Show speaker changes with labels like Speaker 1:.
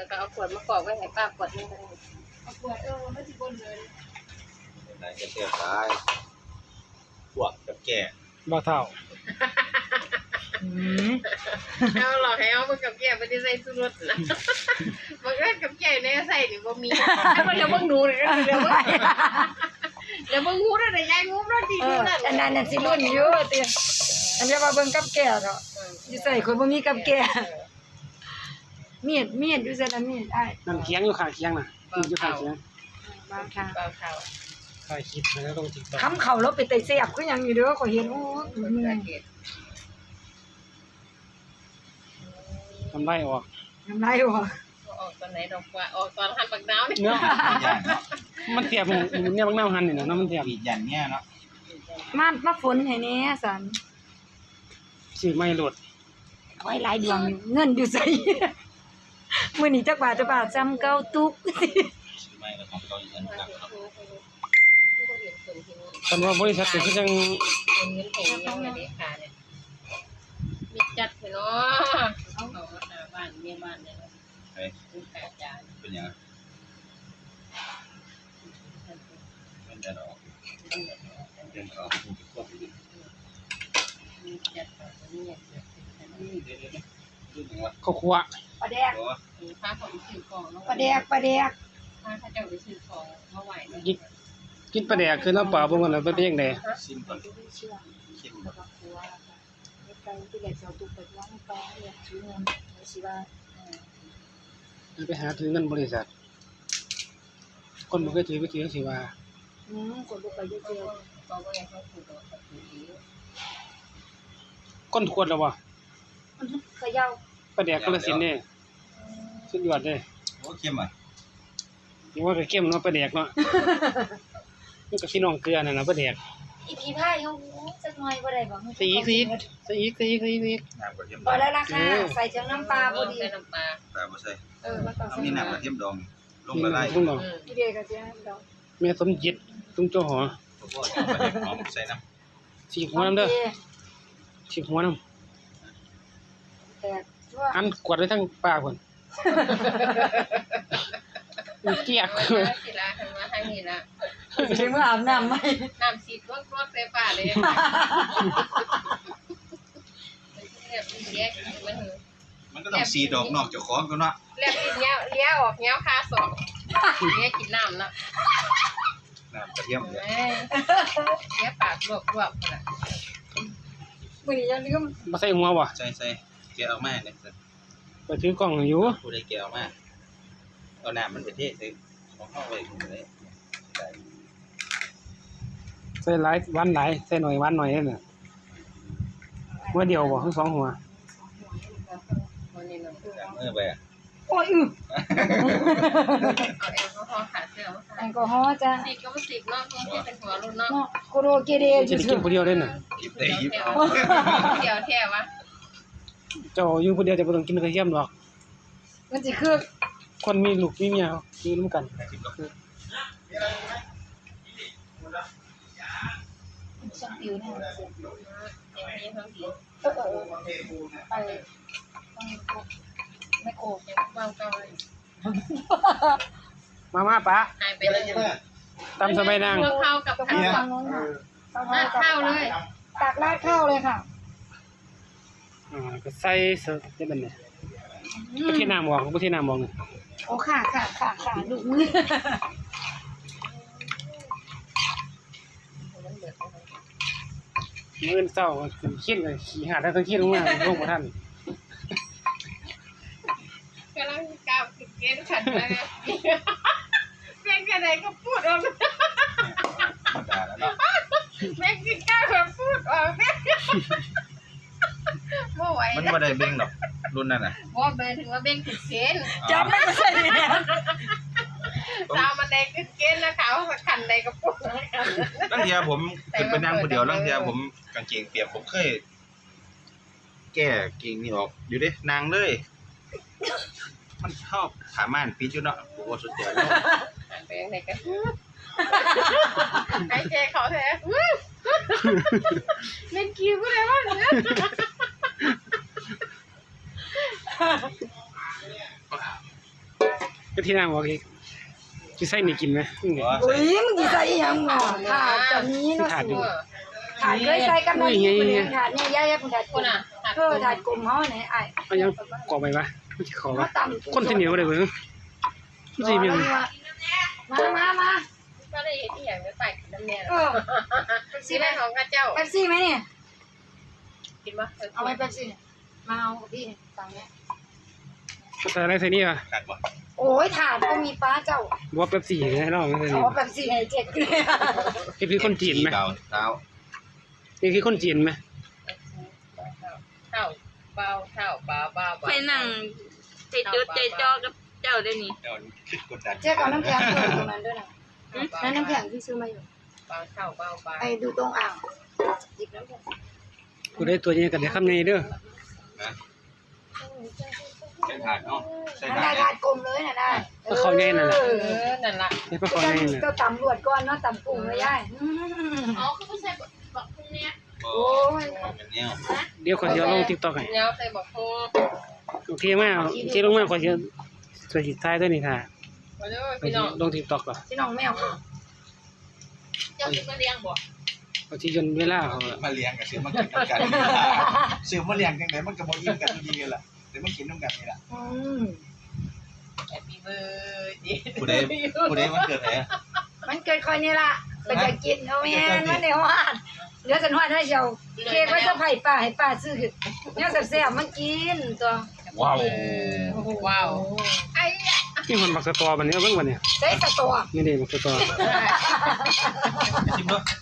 Speaker 1: แล้วก็เอาขวดมากรอกไว้ให้ป้าขวดนึงก็ได้เอาขวดไม่สิบนเลย
Speaker 2: นายจะเสียสายพวกกับแก่
Speaker 3: บ่เท่า
Speaker 1: เอาหลอกให้เอามึงกับแก่ไม่ได้ใส่สุรสนะมึงกับแก่เนี่ยใส่หรือบ่มีเดี๋ยวมึงหนูเดี๋ยวมึงงูได้ยายงูรถดีดูนั่น
Speaker 4: อันนั้นน่ะสิรุ่นอยู่ติอันนี้ว่าเบิ่งกับแก่เนาะอยู่ใส่คนบ่มีกับแก่มีดอยู่ซั่นน่ะมีดอ้าย
Speaker 3: นั่นเคียงอยู่ข้างเคียงน่ะอยู่ข้างเคียง
Speaker 4: บางทาง
Speaker 3: ถ่ายคลิปแล้วลง TikTok
Speaker 4: คำเข้าแล้วไปไต่เสียบคือหยังอยู่เด้อก็เห็นโอ้เมื่อย
Speaker 3: ทำได้ออก
Speaker 4: น้ำลายออก
Speaker 1: ออกตอนไหนดอกว่าออกตอนหันปากดาวนี่
Speaker 3: เนาะมันเทียบเนี่ยบางน้ำหันนี่นะมันเทียบ
Speaker 2: ปียันเนี่ยเนาะ
Speaker 4: มาฝนให้แน่สัน
Speaker 3: สิไม่หลุด
Speaker 4: ไว้หลายดวงเงินอยู่ไสมื้อนี้จักบาทจำเก่าตุก
Speaker 2: ไม่แล้วของเขาอีกอันครับ
Speaker 3: คันว่าบริษัทเป็นคือจัง
Speaker 1: เงินแข็งยังไงดีค่ะเนี่ยมีจัดไปเนาะเอามาหาบ้านเมียบ้านเนี่ย
Speaker 2: เฮ้ยเป็นยังเป็นเดือนออกเดือนออกมันจะควบอยู่
Speaker 1: มีจัดไปนี่
Speaker 3: ข้าวคั่ว
Speaker 4: ปลาแดก
Speaker 1: พาเขาไปซื้อของ
Speaker 4: ปลาแดก
Speaker 1: พาเขาเจ้าไปซื้อของมาไหว
Speaker 3: กินปลาแดกคือน้ำปลาบ่มันแล้วเป็นจังได๋
Speaker 2: ชิมก่อนชิมก่อน
Speaker 3: ไปหาถือเงินบริษัทคนบ่เคยถือไปถือสิว่า
Speaker 4: คนบ่ไปเจอ
Speaker 1: ก็บ่ให้เขาถูก
Speaker 3: คนขวดแล้วบ่
Speaker 4: เขย่า
Speaker 3: ปลาแดกกาฬสินธุ์นี่สุดยอดเด้
Speaker 2: โอ้เข้มอ่ะ
Speaker 3: นี่ว่าก็เข้มเนาะปลาแดกเนาะมันก็พี่น้องเกลือนั่นน่ะปลาแดก
Speaker 4: อีพีพายเฮาจักหน่อยบ่ได้บ่
Speaker 3: สีอีก
Speaker 2: น้ำกระเทียม
Speaker 4: พอแล้วล่ะค่ะใส่จังน้ำปลาพอดี
Speaker 1: น้ำปลา
Speaker 2: บ่ใส่
Speaker 4: มันต้องใส่
Speaker 2: มีน้ำกระเทียมดองลงละลาย
Speaker 4: อีเด้ก็สิดอง
Speaker 3: แม่สมจิตตุ้งเจ้าหอ
Speaker 2: ใส่น้
Speaker 3: ำสีหัวน้ำเด้อสีหัวน้ำอันกวดไว้ทั้งปากพุ่นเกียก
Speaker 1: เลยสิละมาให้นี่ละ
Speaker 4: สิมื้ออาบน้ำมั้ย
Speaker 1: น้ำสีรวดใส่ปากเลย
Speaker 2: มันก็ต้องสีดอกนอกเจ้าของก็เนาะ
Speaker 1: เรียกเลี้ยออกเงี้ยคาสองเลี้ยกินน้ำเนาะ
Speaker 2: น้ำกระเทียม
Speaker 1: เลี้ยปากรวบๆน่ะ
Speaker 4: มื้อนี้อย่าลืม
Speaker 3: บ่ใส่หัวบ่
Speaker 2: ใส่แกะออกมาเนี่ย
Speaker 3: ไปถือกล้องอยู่
Speaker 2: ผู้ใดแกะออกมาเอาน้ำมันไปเทใส่ของเฮาไว้เลย
Speaker 3: ใส่หลายวันหลายใส่หน่อยวันหน่อยนั่นน่ะหัวเดียวบ่ทั้ง2หัว
Speaker 2: ไปอ่ะ
Speaker 4: โอ้ยแอลกอฮอล์จ้ะ
Speaker 1: สิก็บ่สิเนาะที่เป็นหัวรุ่นเนาะ
Speaker 4: โคโรเกเด
Speaker 3: จะกินผู้เดียวเด้น่ะ
Speaker 2: หยิบได้หยิบ
Speaker 1: เดี๋ยวแท้วะ
Speaker 3: เจ้าอยู่ผู้เดียวจะบ่ต้องกินกระเทียมหรอก
Speaker 4: มันสิคือ
Speaker 3: คนมีลูกมีเมียอยู่ร่วมกัน
Speaker 4: ช่างผิวเนี่ยไปไม่โกง
Speaker 1: วางเก่าเลย
Speaker 3: มาป๋า
Speaker 1: หายไปเลย
Speaker 3: ตำสบายนาง
Speaker 1: ข้าวกับข้าวราดข้าวเลย
Speaker 4: ตักราดข้าวเลยค่ะ
Speaker 3: ก็ใส่เสิร์ฟได้บัดนี้บ่ที่น้ำบ่ที่น้ำบ่นี่
Speaker 4: โอ้ค่ะลูกมือ
Speaker 3: มื้อเช้าขึ้นขี้เลยขี้หาดทั้งขี้ลงมาลงบ่ทัน
Speaker 1: กำลังก้าวขึ้นเกณฑ์ขันเลยแม่งอะไรก็พูดออกแม่งกินข้าวแบบพูดออกไม่ไหว
Speaker 2: มันไม่ได้เบ่งหรอกรุ่นนั่นน่ะ
Speaker 1: ว่าเบ่งถึงว่าเบ่งขึ้นเกณฑ์
Speaker 4: จำไม่ได้เนี่ย
Speaker 1: สาวมันแดงขึ้นเกณฑ์นะเขาขันใดก็พูด
Speaker 2: ตั้งเทียผมขึ้นไปนั่งคนเดียวตั้งเทียผมกางเกงเปียกผมเคยแก้เกงนี่ออกอยู่ดินางเลยมันชอบถาม่านปีจุเนาะผมว่าสุดยอด
Speaker 1: เป็นไงกันไอ้เจเขาแท้เล่นคิวก็ได้วะ
Speaker 3: ก็ที่นั่งบอกอีกสิใส่นี่กินไหมนี่ไง
Speaker 4: อุ้ยมึงสิใส่อีหยังหมอถาดจะมีเนาะ
Speaker 3: ถาด
Speaker 4: สิ
Speaker 3: อยู่
Speaker 4: ถาดเคยใส่กับน้ำนี่คนถาดเนี่ยยายๆเพิ่นถาด
Speaker 1: คนน่ะ
Speaker 4: ถาดกลมเฮาไหนอ้าย
Speaker 3: เอายังกรอบไปปะมันสิขอ
Speaker 4: มา
Speaker 3: ปะ
Speaker 4: ตำ
Speaker 3: คนที่เหนียวเลยเว้ยมันสิมี
Speaker 4: มา
Speaker 1: ก็ได้เห็นที่อย่างไม่ไปน้ำแน่
Speaker 4: เออ
Speaker 1: ซีแม่ของข้าเจ้า
Speaker 4: เป๊ปซี่ไหมเนี่ย
Speaker 1: กินปะ
Speaker 4: เอาไว้เป๊ปซี่มาเอาพี่ตังค์เนี่ย
Speaker 3: ใส่อะไรใส่นี่ป่ะ
Speaker 2: ขาดบ่
Speaker 4: โอ้ยถาดก็มีป้าเจ้า
Speaker 3: ว่าเป๊ปซี่ให้น้องใส่
Speaker 4: อ๋
Speaker 3: นี่
Speaker 4: อเป๊ปซี่ให้เจ๊กเลย
Speaker 3: นี่คือคนจีนไหม
Speaker 2: เท้า
Speaker 3: นี่คือคนจีนไหม
Speaker 1: เท่าเบาเท่าเบาเบา
Speaker 5: ไปนั่งใจจดใจจ่อกับเจ้าได้นี่
Speaker 2: เดี๋ยวคิดกดดัน
Speaker 4: เจ๊กเอาน้ำแข็งเปิดตรงนั้นด้วยนะนั่นน้ำแข็งที่ซื้อมาอยู่
Speaker 1: เบาเท่าเบาเบา
Speaker 4: ไปดูตรงอ่างหยิบน้ำแข็ง
Speaker 3: กูได้ตัวนี้กันเดี๋ยวคำนี้เด้อ
Speaker 2: นะใส่ถาดเนาะใส่
Speaker 4: นั่น
Speaker 2: ถา
Speaker 4: ได้
Speaker 2: ด
Speaker 4: ถาดกลมเลยนะได้
Speaker 3: ก็เขาแน่นั่นแหละ
Speaker 1: นั่นละ
Speaker 3: นี่ก็เขาแน่น่ะ
Speaker 4: ก็ตำรวจก่อนเนาะตำกุ้งเลยยาย
Speaker 1: อ๋อคือผู้ชายบอกพวกเนี้ย
Speaker 2: โอ้ยเป็นแนว
Speaker 3: เดี๋ยวขอเสียลง TikTok ให้
Speaker 1: เนี้ยใส่บอกพวก
Speaker 3: โอเคมากโอเคลงมาขอเสียสวยสิท้ายด้วยนี่ค่ะ
Speaker 1: มาเด้อ
Speaker 3: ไป
Speaker 1: พี่น้อง
Speaker 3: ลง TikTok ก่อน
Speaker 4: พี่น้องแมว
Speaker 1: เจ้าที่มาเลี้ยงบ่
Speaker 3: เอาที่จนเวลาเขา
Speaker 2: มาเลี้ยงกับซื้อมากินน้ำกันซื้อมาเลี้ยงจังไดมันก็บ่อิ่มกันทุกทีกันล่ะเดี๋ยวมันกินน้ำกันนี่ล่ะ
Speaker 1: แฮปปี้เบิร์ดเดย์
Speaker 2: ผู้ใดมันเกิดไหน
Speaker 4: มันเกิดคอยนี่ล่ะไปจะกินเอาแม่มันเดี๋ยววาดเดี๋ยวสันวาดให้เจ้าเค้กไว้จะไผ่ป้าให้ป้าซื้อเนี่ยแซ่บๆมันกินตัว
Speaker 2: ว้าว
Speaker 1: ว้าวไอ้
Speaker 3: ที่มันบักสตอบันนี้เอาเบิ่งบันนี้
Speaker 4: ใส่สตัว
Speaker 3: นี่เด้บักสตอ
Speaker 2: ชิมเนาะ